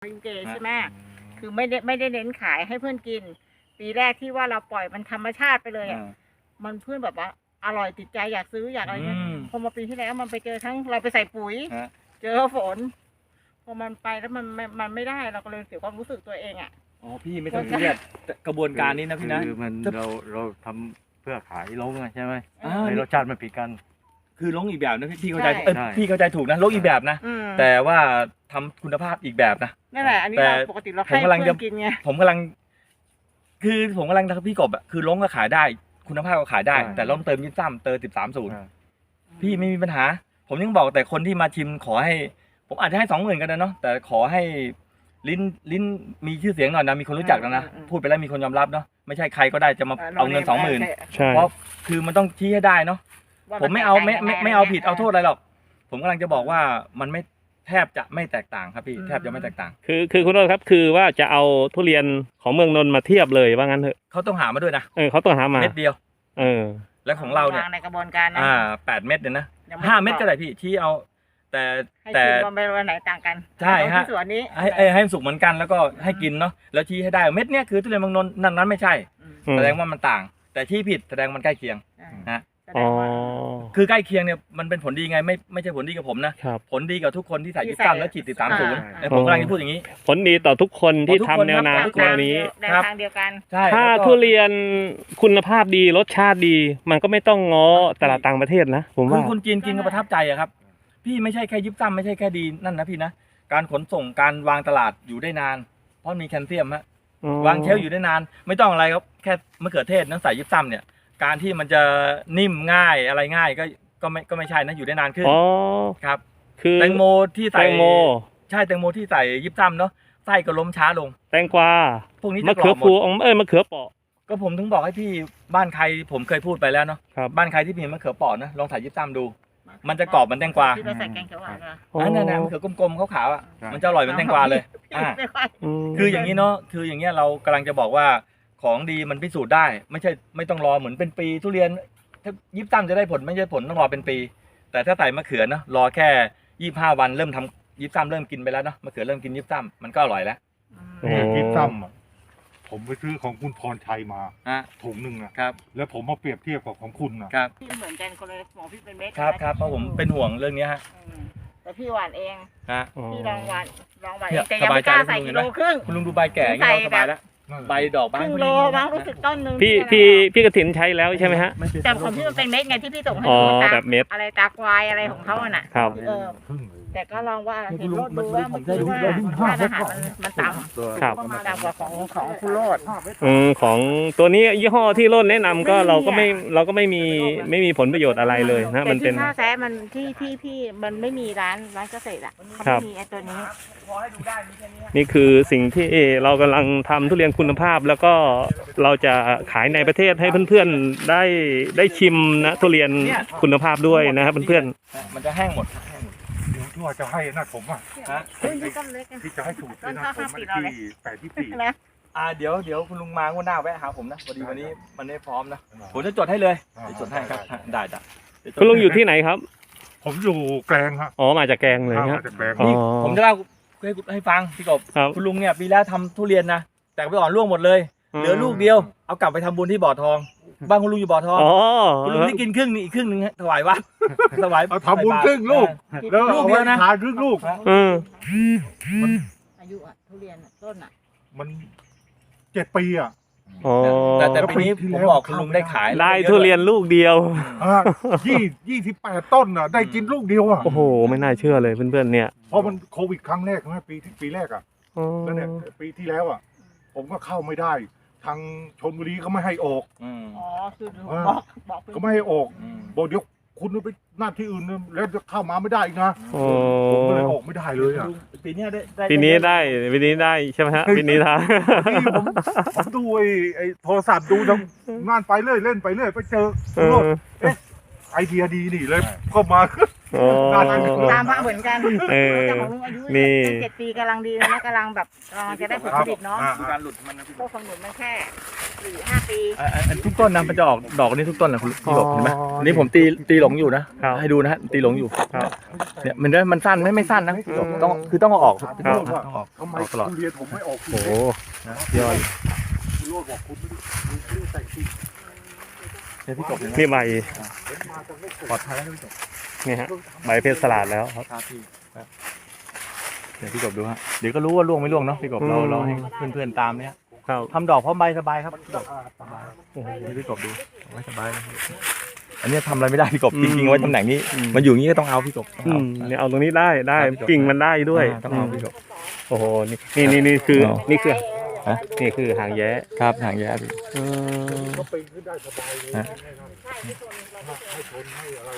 กินเจใช่ไหมคือไม่ได้เน้นขายให้เพื่อนกินปีแรกที่ว่าเราปล่อยมันธรรมชาติไปเลยอ่ะมันเพื่อนแบบว่าอร่อยติดใจอยากซื้ออยากอะไรเงี้ยพอมาปีที่แล้วมันไปเจอทั้งเราไปใส่ปุ๋ยเจอฝนพอมันไปแล้วมันไม่ได้เราก็เลยเสียความรู้สึกตัวเองอ่ะอ๋อพี่ไม่ต้องเครียดกระบวนการนี้นะพี่นะคือมันเราทำเพื่อขายลงใช่ไหมในรสชาติมันผิดกันคือลงอีกแบบนะพี่เข้าใจพี่เข้าใจถูกนะลงอีกแบบนะแต่ว่าทำคุณภาพอีกแบบนะนั่นแหละอันนี้เราปกติเราให้เพื่อนกินไงผมกำลังพี่กบอะคือลงก็ขายได้คุณภาพก็ขายได้แต่ลงเติมยิ่งซ้ำเติม13-0พี่ไม่มีปัญหาผมยังบอกแต่คนที่มาชิมขอให้ผมอาจจะให้20,000กันนะเนาะแต่ขอให้ลิ้นมีชื่อเสียงหน่อยนะมีคนรู้จักนะพูดไปแล้วมีคนยอมรับเนาะไม่ใช่ใครก็ได้จะมาเอาเงิน20,000เพราะคือมันต้องชี้ให้ได้เนาะผมไม่เอาผิดเอาโทษอะไรหรอกผมกำลังจะบอกว่ามันไม่แทบจะไม่แตกต่างครับพี่แทบจะไม่แตกต่างคือคุณโรจน์ครับคือว่าจะเอาทุเรียนของเมืองนนท์มาเทียบเลยว่างั้นเถอะเขาต้องหามาด้วยนะเขาต้องหามาเม็ดเดียวแล้วของเราเนี่ยในกระบวนการนะ 8 เม็ดเนี่ยนะ5 เม็ดก็ได้พี่ที่เอาแต่มันเป็นวันไหนต่างกันใช่ฮะส่วนนี้ให้สุกเหมือนกันแล้วก็ให้กินเนาะแล้วชี้ให้ได้เม็ดเนี้ยคือทุเรียนเมืองนนท์นั้นไม่ใช่แสดงว่ามันต่างแต่ที่ผิดแสดงมันใกล้เคียงนะคือใกล้เคียงเนี่ยมันเป็นผลดีไงไม่ใช่ผลดีกับผมนะผลดีกับทุกคนที่ใส่23แล้วฉีด13-0ผมกำลังจะพูดอย่างนี้ผลดีต่อทุกคนที่ทำแนวนาแนวนี้ในทางเดียวกันถ้าทุเรียนคุณภาพดีรสชาติดีมันก็ไม่ต้องง้อตลาดต่างประเทศนะผมว่าคือคนกินก็ประทับใจอะครับพี่ไม่ใช่แค่23ไม่ใช่แค่ดีนั่นนะพี่นะการขนส่งการวางตลาดอยู่ได้นานเพราะมีแคลเซียมฮะวางเชลฟ์อยู่ได้นานไม่ต้องอะไรครับแค่มะเขือเทศน้ำใส่23เนี่ยการที่มันจะนิ่มง่ายอะไรง่ายก็ไม่ใช่นะอยู่ได้นานขึ้นครับคือแตงโมที่ใส่ใช่แตงโมที่ใส่23เนาะไส้ก็ล้มช้าลงแตงกวาพวกนี้มะเขือพวงมะเขือเปาะก็ผมถึงบอกให้พี่บ้านใครผมเคยพูดไปแล้วเนาะบ้านใครที่มีมะเขือเปาะนะลองใส่23ดูมันจะกรอบเหมือนแตงกวาที่เราใส่แกงเขียวหวานนั่นมะเขือกลมๆขาวๆอ่ะมันจะอร่อยเหมือนแตงกวาเลยคืออย่างนี้เนาะคืออย่างเงี้ยเรากำลังจะบอกว่าของดีมันพิสูจน์ได้ไม่ต้องรอเหมือนเป็นปีทุเรียนถ้า23จะได้ผลไม่ใช่ผลต้องรอเป็นปีแต่ถ้าใส่มะเขือเนาะรอแค่25 วันเริ่มทำ23เริ่มกินไปแล้วเนาะมะเขือเริ่มกิน23มันก็อร่อยแล้ว 23ผมไปซื้อของคุณพรชัยมาถุงหนึ่งนะครับแล้วผมมาเปรียบเทียบกับของคุณนะครับพี่เหมือนกันคนละหมอพี่เป็นเม็ดครับเพราะผมเป็นห่วงเรื่องนี้ฮะแต่พี่หวานเองพี่ลองหวานแต่ยังไม่กล้าใส่กิโลครึ่งคุณลุงดูใบแก่ใส่สบายแล้วใบดอกบ้างครึ่งโลบ้างรู้สึกต้นนึงพี่กระถินใช้แล้วใช่ไหมฮะแต่ของพี่มันเป็นเม็ดไงที่พี่ส่งให้ดูแบบเม็ดอะไรตาควายอะไรของเขาน่ะแต่ก็ลองว่าเห็นโรดดูว่ามันคือว่าค่าอาหารมันต่ำต่ำกว่าของคุณโรดของตัวนี้ยี่ห้อที่โรดแนะนำก็เราก็ไม่มีผลประโยชน์อะไรเลยนะมันเป็นค่าแท้มันที่มันไม่มีร้านเกษตรอ่ะเขาไม่มีไอ้ตัวนี้นี่คือสิ่งที่เรากำลังทำทุเรียนคุณภาพแล้วก็เราจะขายในประเทศให้เพื่อนๆได้ชิมนะทุเรียนคุณภาพด้วยนะครับเพื่อนๆมันจะแห้งหมดที่ว่าจะให้น่าผมอ่ะที่จะให้สูตรน่าผมมันที่8-4 เดี๋ยวคุณลุงมาวันหน้าแวะหาผมนะพอดีวันนี้มันไม่พร้อมนะผมจะจดให้เลยจดให้ครับได้คุณลุงอยู่ที่ไหนครับผมอยู่แกลงครับมาจากแกลงเลยครับนี่ผมจะเล่าให้ฟังพี่กบคุณลุงเนี่ยปีแล้วทำทุเรียนนะแต่ไปอ่อนร่วงหมดเลยเหลือลูกเดียวเอากลับไปทำบุญที่บ่อทองบ้านคุณลุงอยู่บ่อทองคุณลุงที่กินครึ่งนี่อีกครึ่งนึงถวายวัดถวายเอาทำบุญครึ่งลูกแล้วลูกเดียวนะทานครึ่งลูกอายุทุเรียนต้นมัน7 ปีแต่ปีนี้ผมบอกคุณลุงได้ขายได้ทุเรียนลูกเดียว 28 ต้นได้กินลูกเดียวโอ้โหไม่น่าเชื่อเลยเพื่อนๆเนี่ยเพราะมันโควิดครั้งแรกใช่ไหมปีแรกแล้วเนี่ยปีที่แล้วผมก็เข้าไม่ได้ทางชลบุรีก็ไม่ให้ออกคือบอกก็ไม่ให้ออกบอกเดี๋ยวคุณไปหน้าที่อื่นแล้วจะเข้ามาไม่ได้อีกนะผมก็เลยออกไม่ได้เลยปีนี้ได้ใช่ไหมฮะปีนี้ท่าผมดูไอ้โทรศัพท์ดูทำงานไปเรื่อยเล่นไปเรื่อยไปเจอไอเดียดีนี่เลยก็มาโอ้ตามพระเหมือนกันเออแต่ของลุงอายุนี่เป็น7 ปีกำลังดีเลยนะกำลังแบบกำลังจะได้ผลผลิตเนาะดูการหลุดมันนะพี่พวกของหนุนมันแค่4-5 ปีทุกต้นนะมันจะออกดอกนี้ทุกต้นนะคุณพี่กบเห็นไหมอันนี้ผมตีหลงอยู่นะครับ ให้ดูนะฮะตีหลงอยู่ครับเนี่ยมันสั้นไม่สั้นนะพี่กบต้องเอาออกพี่กบครับต้องออกทำไมออกตลอดทุเรียนผมไม่ออกโอ้โหยอดคุณโรจน์บอกคุณไม่ได้แต่งจริงเนี่ยพี่กบเห็นไหมนี่ใบผมมาจากไม่ปลอดภัยแล้วพี่กบนี่ฮะใบเพชรสลัดแล้วครับครับพี่ครับเดี๋ยวพี่กบดูฮะเดี๋ยวก็รู้ว่าล่วงไม่ล่วงเนาะพี่กบเราให้เพื่อนๆตามเนี่ยครับทำดอกพร้อมใบสบายครับพี่กบโอ้โหนี่พี่กบดูเอาไว้สบายนะอันนี้ทำอะไรไม่ได้พี่กบอืมจริงๆไว้ตำแหน่งนี้อืมมันอยู่อย่างนี้ก็ต้องเอาพี่กบต้องอืเอามนี่เอาตรงนี้ได้ครับพี่กบกิ่งมันได้ด้วยต้องเอาพี่กบโอ้โหนี่คือเอานี่คือฮะนี่คือหางแย้ครับหางแย่พี่อืมก็ปีนขึ้นได้สบายเลยฮะให้ชนให้อะไร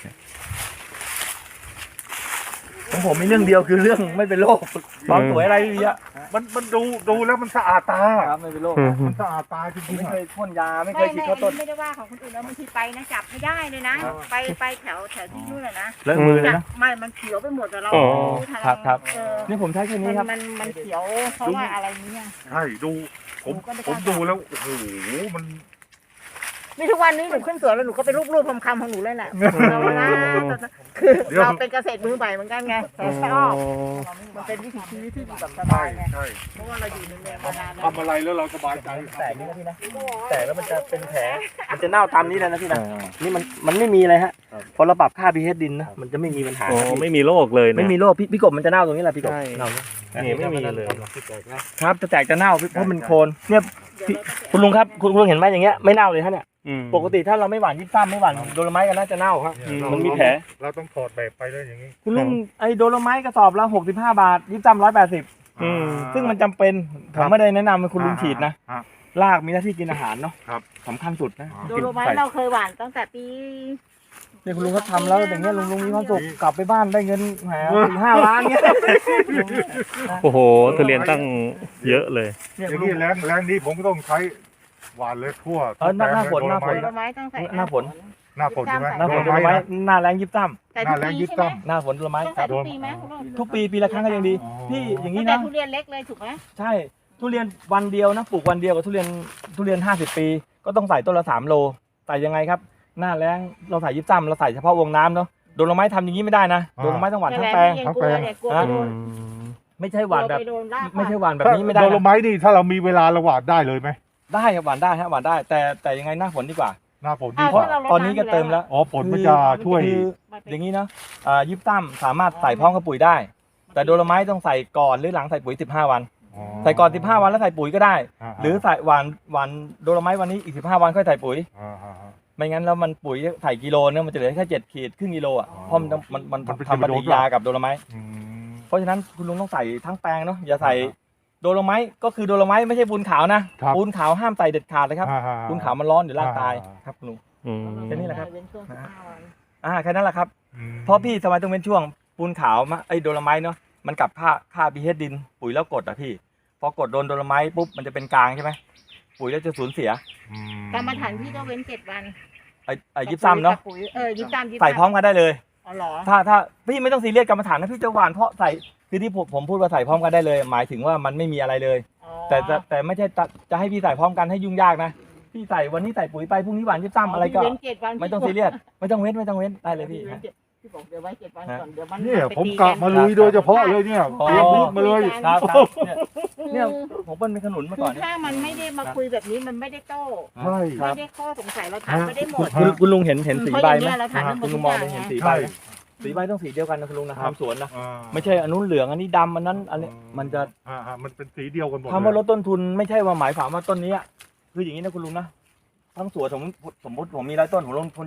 ของผมมีเรื่องเดียวคือเรื่องไม่เป็นโรคความสวยอะไรไม่มีอะมันดูแล้วมันสะอาดตาครับไม่เป็นโรคอืมมันสะอาดตาจผมริงไม่ๆเคอะยพ่นยาไม่เคไม่ยฉีดไม่ข้าวต้นไม่ได้ว่าของคนอื่นแล้วบางทีไปนะจับไม่ได้เลยนะ ไปแถวที่นู่นน่ะนะเลอะมือเลยจับนะไม่มันเขียวไปหมดแต่เราอ๋อไม่ทันครับเออนี่ผมใช้แค่นี้ครับมันเขียวเพราะว่าอะไรเนี่ยใช่ดูผมดูแล้วโอ้โหมันนี่ทุกวันนี้หนูขึ้นสวนแล้วหนูก็ไปรูปๆคำๆของหนูเลยแหละเรานะคือเราเป็นเกษตรมือใหม่เหมือนกันไงแต่ชอบมันเป็นวิถีชีวิตที่แบบสบาใช่ยไงใช่เพราะว่าเราอยู่ในเมืองมานานแล้วทำอะไรแล้วเราสบายใจแตกนี่นะพี่นะแตกแล้วมันจะเป็นแผลมันจะเน่าตามนี้เลยนะพี่นะนี่มันไม่มีอะไรฮะพอเราปรับค่า pH ดินนะมันจะไม่มีปัญหาโอ้ไม่มีโรคเลยนะไม่มีโรคพี่กบมันจะเน่าตรงนี้แหละพี่กบใช่เน่านี่ไม่มีเลยครับจะแตกจะเน่าเพราะมันโคนเนี่ยคุณลุงครับคุณลุงเห็นไหมอย่างเงี้ยไม่เน่าเลยฮะเนี่ยอืมปกติถ้าเราไม่หว่านยิบซ้ำไม่หว่านโดโลไม้กันน่าจะเน่าครับอืมมันมีแผลเราต้องถอดแบบไปเลยอย่างนี้คุณลุงไอ้โดโลไม้กระสอบละ65 บาทยิบซ้ำ180 อืมซึ่งมันจำเป็นผมไม่ได้แนะนำให้คุณลุงฉีดนะอ่ารากมีหน้าที่กินอาหารเนาะครับสำคัญสุดนะโดโลไม้เราเคยหว่านตั้งแต่ปีเนี่ยคุณลุงเขาทำแล้วอย่างเงี้ยลุงมีความสุขกลับไปบ้านได้เงินแหม4-5 ล้านเงี้ยโอ้โหทุเรียนตั้งเยอะเลยเนี่ยอคุย่าณงลุงนี้แรงนี้ผมก็ต้องใช้หวานเลยทั่วเออหน้าฝนแปลงหน้าฝนโดโลไม้ต้องใส่หน้าฝนหน้าฝนใช่ไหมหน้าฝนโดโลไม้หน้าแรงยิบซ้แต่ทุกปีใช่ไหมำหน้าฝนโดโลไม้ต้องคใส่รับทุกปีไหมคุณลุงทุกปีละครั้งก็ยังดี พี่อย่างนี้แต่นะทุเรียนเล็กเลยถูกไหมใช่ทุเรียนวันเดียวนะปลูกวันเดียวกับทุเรียน50 ปี ก็ต้องใส่ต้นละ3 โลใส่ยังไงครับหน้าแรงเราใส่ยิบซ้ำเราใส่เฉพาะวงน้ำเนาะโดโลไม้ทำอย่างนี้ไม่ได้นะโดโลไม้ต้องหว่านทั้งแปลงกลัวเนี่ยกลัวไปโดนไม่ใช่หวานแบบกลัไปโดนรากไม่ใช่หวานแบบนี้ไม่ได้โดโลนะไม้นี่ถ้าเรามีเวลาเราหวานได้เลยไหมได้ครับหวานได้ฮะหวานได้ แต่ยังไงหน้าฝนดีกว่าหน้าฝนอ้าดีวกว่าถ้าเราลดตอนนี้ก็ำยู่เติมแล้วอ๋อฝนมันจะช่วยคืออย่างนี้เนาะยิบซ้ำสามารถใส่พร้อมกับปุ๋ยได้ แต่โดโลไม้ต้องใส่ก่อนหรือหลังใส่ปุ๋ย15 วัน ใส่ก่อน15 วันแล้วใส่ปุ๋ยก็ได้ หรือใส่หวานโดโลไม้วันนี้อีก15 วันค่อยใส่ปุ๋ย ไม่งั้นแล้วมันปุ๋ยใส่กิโลเนี่ยมันจะเหลือแค่7 ขีดครึ่งกิโลอ่ะเพราะมันทำปฏิกิริยากับโดโลไม้เพราะฉะนั้นคุณลุงต้องใส่ทั้งแปลงเนาะอย่าใส่โดโลไม้ก็คือโดโลไม้ไม่ใช่ปูนขาวนะปูนขาวห้ามใส่เด็ดขาดเลยครับปูนขาวมันร้อนเดี๋ยวรากตายครับคุณลุงอืมแค่นี้แหละครับเว้นช่วง15 วันแค่นั้นแหละครับเพราะพี่สมัยต้องเป็นช่วงปูนขาวมาไอ้โดโลไม้เนาะมันกลับค่า pH ดินปุ๋ยแล้วกดอ่ะพี่พอกดโดนโดโลไม้ปุ๊บมันจะเป็นกลางใช่ไหมปุ๋ยแล้วจะสูญเสียกรรมฐานพี่ก็เว้น7 วันไอ้ยิบซ้ำเนาะกับปุ๋ยยิบซ้ำใส่พร้อมกันได้เลยอ๋อเหรอถ้าพี่ไม่ต้องซีเรียสกรรมฐานนะพี่จะหวานเพราะใส่คือที่ผมพูดว่าใส่พร้อมกันได้เลย หมายถึงว่ามันไม่มีอะไรเลยอ๋อแต่ไม่ใช่จะให้พี่ใส่พร้อมกันให้ยุ่งยากนะพี่ใส่วันนี้ใส่ปุ๋ยไปพรุ่งนี้หวานยิบซ้ำอะไรก็เว้น7 วันไม่ต้องซีเรียสไม่ต้องเว้นได้เลยพี่พี่บอกเดี๋ยวไว้7 วันก่อนเดี๋ยวมันเนี่ยไปผมตีกะมาลุยโดยเฉพาะเลยเนี่ยอ๋อเตรียมพูดมาเลยครับเนี่ยผมเปิ้ลเป็นขนุนมาคืก่ออน ถ้ามันไม่ได้มาคุยแบบนี้มันไม่ได้โต้ใช่ไม่ได้ข้อสงสัยเราถามไม่ได้หมดคุณลุงเห็นสีใบไหมเพราะอย่างเงี้ยเราถามคุณลุงมองได้เห็นสีใบไหมสีใบต้องสีเดียวกันนะคุณลุงนะทำสวนนะไม่ใช่อันนู้นเหลืองอันนี้ดำอันนั้นอันนี้มันจะมันเป็นสีเดียวกันหมดคำว่าลดต้นทุนไม่ใช่ว่าหมายความว่าต้นนี้คืออย่างนี้นะคุณลุงนะทั้งสวนสมมติผมมี100 ต้นผมลงทุน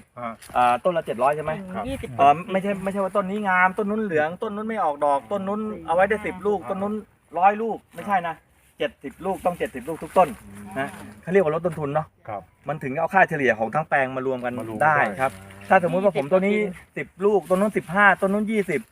70,000ต้นละ700ใช่ไหม 20 ไม่ใช่ว่าต้นนี้งามต้นนู้นเหลืองต้นนู้นไม่ออกดอกต้นนู้นเอาไว้ได้10 ลูกต้นนู้น100 ลูกไม่ใช่นะ70 ลูกต้อง70 ลูกทุกต้นนะเขาเรียกว่าลดต้นทุนเนาะครับมันถึงเอาค่าเฉลี่ยของทั้งแปลงมารวมกันมารวมได้ได้ครับ ถ้าสมมุติว่าผมตัวนี้10 ลูกต้นนู้น15ต้นนู้น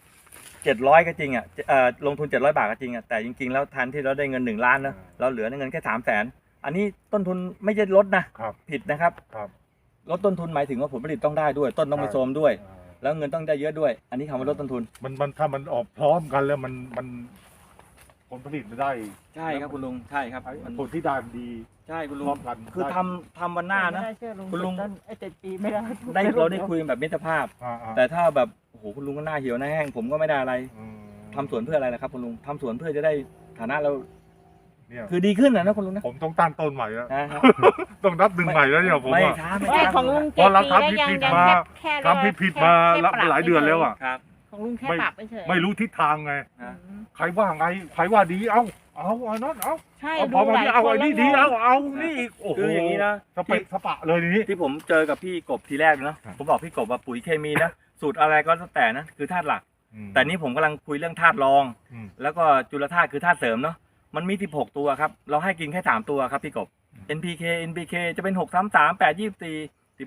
20 700ก็จริงอ่ะลงทุน700 บาทก็จริงอ่ะแต่จริงๆแล้วทันที่เราได้เงิน1 ล้านนะเราเหลือเงินแค่300,000อันนี้ต้นทุนไม่ใช่ลดนะครับ ผิดนะครับครับลดต้นทุนหมายถึงว่าผลผลิตต้องได้ด้วย ต้นต้องไม่โทรมด้วยแล้วเงินต้องได้เยอะด้วย อันนี้คำว่าลดต้นทุนมันถ้ามันออกพร้อมกันแล้วมันผลผลิตมันได้ใช่ครับคุณลุงใช่ครับไอ้มันผลที่ได้มันดีใช่คุณลุงพร้อมกันคือทำวันหน้านะไม่ได้เชื่อคุณลุงไอ้7 ปีไม่ได้เราได้คุยกันแบบมิตรภาพอ่าแต่ถ้าแบบโอ้โหคุณลุงก็หน้าเหี่ยวหน้าแห้งผมก็ไม่ได้อะไรอืมทำสวนเพื่ออะไรนะครับคุณลุงทำสวนเพื่อจะได้ฐานะเราเนี่ยคือดีขึ้นนะคุณลุงนะผมต้องตั้งต้นใหม่แล้วนะครับต้องนับหนึ่งใหม่แล้วเนี่ยผมไม่อะช้าไม่ไม่ช้าของลุงเพราะเรา 7 ปีแล้วทำผิดยังมาแค่ทำผิดมาแค่ปรับหลายเดือนแล้วอ่ะครับของลุงแค่ปรับเฉยไม่รู้ทิศทางไงนะใครว่าไงใครว่าดีเอาอันนั้นเอาใช่พอมาหลายเอาคอันนี้แล้วดีงงเอานี่อีกโอ้โหคืออย่างนี้นะสเปะสปะเลยทีนี้ที่ผมเจอกับพี่กบทีแรกนะผมบอกพี่กบว่าปุ๋ยเคมีนะสูตรอะไรก็แล้วแต่นะคือธาตุหลัก แต่นี่ผมกำลังคุยเรื่องธาตุรองอืมแล้วก็จุลธาตุคือธาตุเสริมเนาะมันมี16ตัวครับเราให้กินแค่3ตัวครับพี่กบ NPK NPK จะเป็น6 3 3 8 24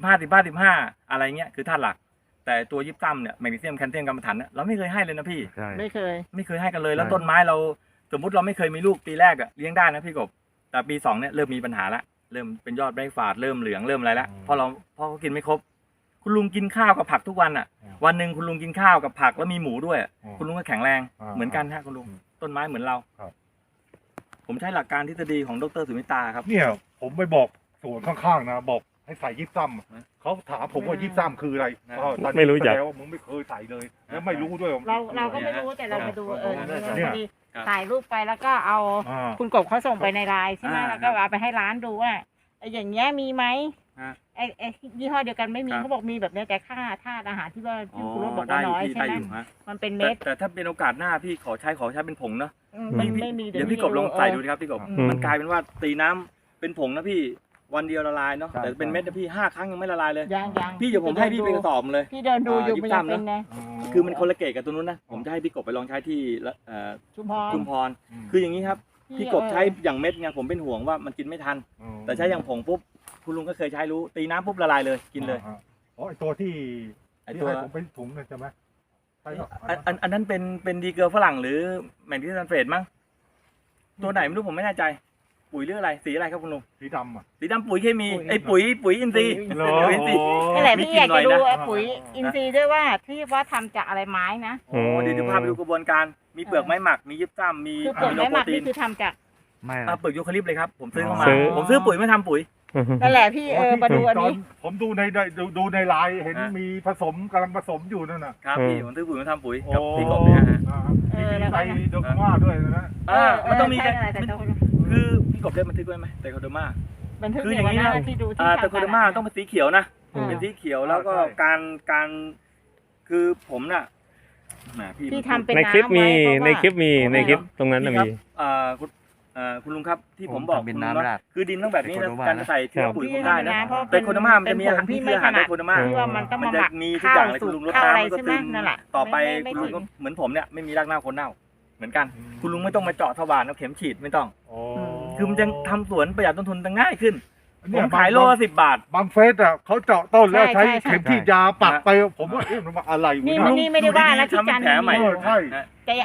15 อะไรเงี้ยคือธาตุหลัก แต่ตัวยิบซ้ำเนี่ยแมกนีเซียมแคลเซียมกัมมันถันเนี่ยเราไม่เคยให้เลยนะพี่ใช่ไม่เคยไม่เคยให้กันเลยแล้วใช่ต้นไม้เราสมมุติเราไม่เคยมีลูกปีแรกอะเลี้ยงได้นะพี่กบแต่ปี2เนี่ยเริ่มมีปัญหาละเริ่มเป็นยอดใบฝาดเริ่มเหลืองเริ่มอะไรละเพราะเขากินไม่ครบ คุณลุงกินข้าวกับผักทุกวันอะวันหนึ่งคุณลุงกินข้าวกับผักแล้วมีหมูด้วยอะคุณลุงก็แข็งแรงเหมือนกันฮะคุณลุงต้นไม้เหมือนเราครับผมใช้หลักการทฤษฎีของดรสุมิตาครับเนี่ยผมไปบอกสวนข้างๆนะบอกให้ใส่ยิบซ้ำเขาถามผมว่ายิบซ้ำคืออะไรนะก็ตอนนี้ไม่รู้จักแสดงว่ามึงไม่เคยใส่เลย แล้วไม่รู้ด้วยเราก็ไม่รู้แต่เรามาดูพเนี่ยอดีถ่ายรูปไปแล้วก็เอาอ่าคุณกบเขาส่งไปในไลน์ใช่ไหมอ่าแล้วก็เอาไปให้ร้านดูว่าไอ้อย่างเงี้ยมีไหมฮะไอ้ยี่ห้อเดียวกันไม่มีครับเขาบอกมีแบบเนี้ยแต่ค่าธาตุอาหารที่ว่าที่คุณรถบอกได้ว่าอยู่น้อยพี่ใช่ได้ไหมอยู่ฮะมันเป็นแต่เม็ดแต่ถ้าเป็นโอกาสหน้าพี่ขอใช้เป็นผงเนาะมันพี่ไม่มีเดี๋ยวพี่กบลองใส่ดูนะครับพี่กบอืมมันกลายเป็นว่าตีน้ำเป็นผงนะพี่วันเดียวละลายเนาะแต่เป็นเม็ดนะพี่5 ครั้งยังไม่ละลายเลยยังพี่เดี๋ยวผมให้พี่เป็นกระสอบเลยพี่เดินดูอยู่ยิบมันยังซ้ำเป็นนะคือมันคนละเกรดกับตัวนู้นนะผมจะให้พี่กบไปลองใช้ที่ชุมพรชุมพรคืออย่างนี้ครับพี่กบใช้อย่างเม็ดไงผมเป็นห่วงว่ามันกินไม่ทัน แต่ใช้อย่างผงปุ๊บคุณลุงก็เคยใช้รู้ตีน้ำปุ๊บละลายเลยกินเลยอ๋อไอตัวที่ไอ้ที่ตัวให้ผมเป็นถุงนั่นใช่ไหมใช่ครับอันนั้นเป็นดีเกอร์ฝรั่งหรือแมกนีเซียมซัลเฟตมั้งตัวไหนไม่รู้ผมไม่แน่ใจ ปุ๋ยหรืออะไรสีอะไรครับคุณลุงสีดำอ่ะสีดำปุ๋ยเคมีไอ้ปุ๋ยอินทรีย์เหรอปุ๋ยอินทรีย์นี่แหละพี่อยากจะดูมีกลิ่นหน่อยนะไอ้ปุ๋ยอินทรีย์ด้วยว่าที่ว่าทำจากอะไรไม้นะโอ้เดี๋ยวพาไปดูกระบวนการมีเปลือกไม้หมักมียิบซ้ำมีคือเปลือกไม้หมักนี่คือทำจากไม่เปลือกยูคาลิปต์เลยครับผมซื้อเข้ามาซื้อผมซื้อปุ๋ยไม่ทำปุ๋ยนั่นแหละพี่มาดูอันนี้ผมดูในไลน์เห็นฮะมีผสมกำลังผสมอยู่นั่นน่ะครับพี่ผมซื้อปุ๋ยมาทำปุ๋ยโอ้กับพี่กบเนี่ยฮะมีไตโดกมาด้วยนะมันต้องมีใช่อะไรแต่คือพี่กบได้บันทึกไว้ไหมไตโคเดอร์มาบันทึกคือออย่างย่างนี้นี้นะนะที่ดูที่ไตโคเดอร์มาต้องเป็นสีเขียวนะอืมเป็นสีเขียวแล้วก็การคือผมน่ะแหมพี่ที่ทำเป็นในคลิปน้ำมีไว้เพราะว่าในคลิปมีในคลิปตรงนั้นน่ะพี่มีครับคุณลุงครับที่ผมบอกเป็นคุณลุงน้ำว่าราดคือดินต้องแบบนี้นะไตโคเดอร์มาการจะใส่เชื้อปุ๋ยพี่ผมได้นะเพราะไตโคเดอร์มามันจะมีอาหารที่คืออาหารไตโคเดอร์มาที่ว่ามันต้องมันมาหจะมักมีทุกอย่างเลยคุณลุงรดข้าวอะไรน้ำมันก็ใช่ไหมซึมนั่นแหละต่อไปไม่คุณลุงถึก็เหมือนผมเนี่ยไม่มีรากเน่าโคนเน่าเหมือนกัน คุณลุงไม่ต้องมาเจาะทวารเอาเข็มฉีดไม่ต้อง คือมันจะทำสวนประหยัดต้นทุนจะง่ายขึ้นผมขายโลละ10 บาทบางเฟสอ่ะเขาเจาะต้นแล้วใช้ใช่เข็มฉีดยาปักไปผมว่าเอ๊ะมันอะไรวะนี่เนี่ยไม่ได้ว่านะที่จันทร์ทำแผลใหม่ใช่แต่